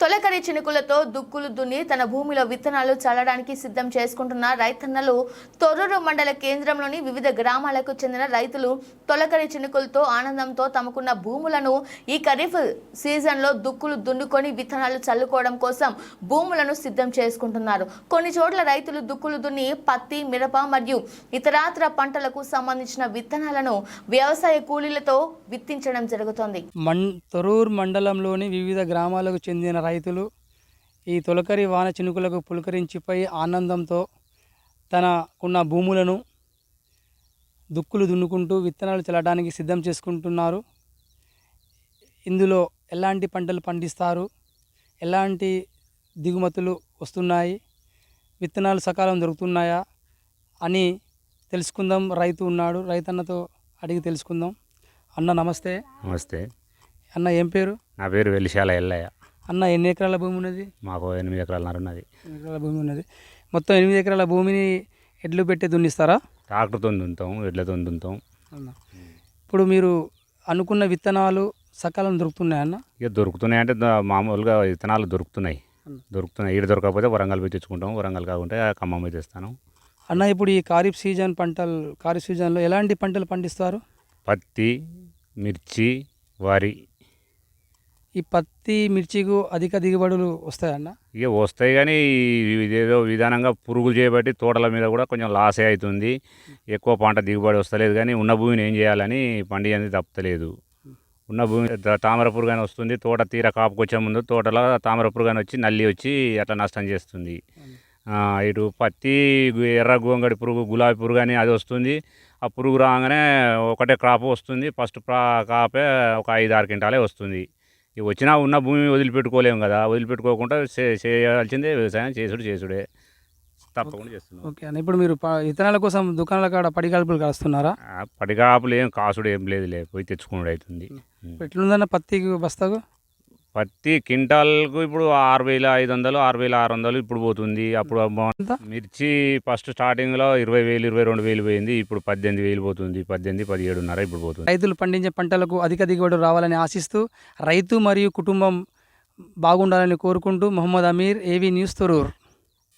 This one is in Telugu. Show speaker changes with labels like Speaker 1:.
Speaker 1: తొలకరి చినుకులతో దుక్కులు దున్ని తన భూమిలో విత్తనాలు చల్లడానికి సిద్ధం చేసుకుంటున్న రైతన్నలు తొర్రూరు మండల కేంద్రంలోని వివిధ గ్రామాలకు చెందిన రైతులు తొలకరి చినుకులతో ఆనందంతో తమకున్న భూములను ఈ ఖరీఫ్ సీజన్లో దుక్కులు దున్నుకొని విత్తనాలు చల్లుకోవడం కోసం భూములను సిద్ధం చేసుకుంటున్నారు. కొన్ని చోట్ల రైతులు దుక్కులు దున్ని పత్తి, మిరప మరియు ఇతరాతర పంటలకు సంబంధించిన విత్తనాలను వ్యవసాయ కూలీలతో విత్తించడం జరుగుతోంది.
Speaker 2: తొర్రూరు మండలంలోని వివిధ గ్రామాలకు చెందిన రైతులు ఈ తొలకరి వాన చినుకులకు పులకరించిపోయి ఆనందంతో తనకున్న భూములను దుక్కులు దున్నుకుంటూ విత్తనాలు చల్లడానికి సిద్ధం చేసుకుంటున్నారు. ఇందులో ఎలాంటి పంటలు పండిస్తారు, ఎలాంటి దిగుమతులు వస్తున్నాయి, విత్తనాలు సకాలం దొరుకుతున్నాయా అని తెలుసుకుందాం. రైతు ఉన్నాడు, రైతన్నతో అడిగి తెలుసుకుందాం. అన్న నమస్తే.
Speaker 3: నమస్తే
Speaker 2: అన్న, ఏం పేరు?
Speaker 3: నా పేరు వెలిశాల ఎల్లయ్య.
Speaker 2: అన్న, ఎన్ని ఎకరాల భూమి ఉన్నది?
Speaker 3: మాకు 8 ఎకరాలన్నర ఉన్నది.
Speaker 2: 8 ఎకరాల భూమి ఉన్నది. మొత్తం 8 ఎకరాల భూమిని ఎడ్లు పెట్టి దున్నిస్తారా?
Speaker 3: ట్రాక్టర్తో దున్నుతాం, ఎడ్లతో దున్నుతాం.
Speaker 2: ఇప్పుడు మీరు అనుకున్న విత్తనాలు సకాలం దొరుకుతున్నాయన్న?
Speaker 3: ఇక దొరుకుతున్నాయి అంటే మామూలుగా విత్తనాలు దొరుకుతున్నాయి. ఈడ దొరకకపోతే వరంగల్ పోయి తెచ్చుకుంటాం, వరంగల్ కాకుంటే ఖమ్మం పోయి తెస్తాను.
Speaker 2: అన్న, ఇప్పుడు ఈ ఖరీఫ్ సీజన్లో ఎలాంటి పంటలు పండిస్తారు?
Speaker 3: పత్తి, మిర్చి, వరి.
Speaker 2: ఈ పత్తి, మిర్చికు అధిక దిగుబడులు వస్తాయన్న?
Speaker 3: ఇక వస్తాయి, కానీ ఇదేదో విధానంగా పురుగులు చేయబట్టి తోటల మీద కూడా కొంచెం లాసే అవుతుంది. ఎక్కువ పంట దిగుబడి వస్తలేదు, కానీ ఉన్న భూమిని ఏం చేయాలని పండి అనేది తప్పలేదు. ఉన్న భూమి తామర పురుగు వస్తుంది. తోట తీర కాపుకొచ్చే ముందు తోటలో తామర పురుగు వచ్చి నల్లి వచ్చి అట్లా నష్టం చేస్తుంది. ఇటు పత్తి, ఎర్ర గోంగడి పురుగు, గులాబీ పురుగు అని అది వస్తుంది. ఆ పురుగు రాగానే ఒకటే క్రాప్ వస్తుంది. ఫస్ట్ కాపే ఒక 5-6 క్వింటాలే వస్తుంది. ఇవి వచ్చినా ఉన్న భూమి వదిలిపెట్టుకోలేము కదా, వదిలిపెట్టుకోకుండా చేయాల్సిందే వ్యవసాయం. చేసుడే తప్పకుండా చేస్తున్నాం.
Speaker 2: ఓకే అన్న, ఇప్పుడు మీరు విత్తనాల కోసం దుకాణాల కాడ పడిగాల్పులు కాస్తున్నారా?
Speaker 3: పడిగాపులు ఏం కాసుడు ఏం లేదులే, పోయి తెచ్చుకున్నాడు అవుతుంది.
Speaker 2: ఎట్లుందన్న పత్తికి బస్తాకు?
Speaker 3: పత్తి క్వింటాల్కు ఇప్పుడు 6,500, 6,600 ఇప్పుడు పోతుంది. అప్పుడు మిర్చి ఫస్ట్ స్టార్టింగ్లో 20,000, 22,000 పోయింది. ఇప్పుడు 18,000 పోతుంది. 18, 17,500 ఇప్పుడు పోతుంది.
Speaker 2: రైతులు పండించే పంటలకు అధిక దిగుబడి రావాలని ఆశిస్తూ రైతు మరియు కుటుంబం బాగుండాలని కోరుకుంటూ మొహమ్మద్ అమీర్, ఏవీ న్యూస్, తొర్రూరు.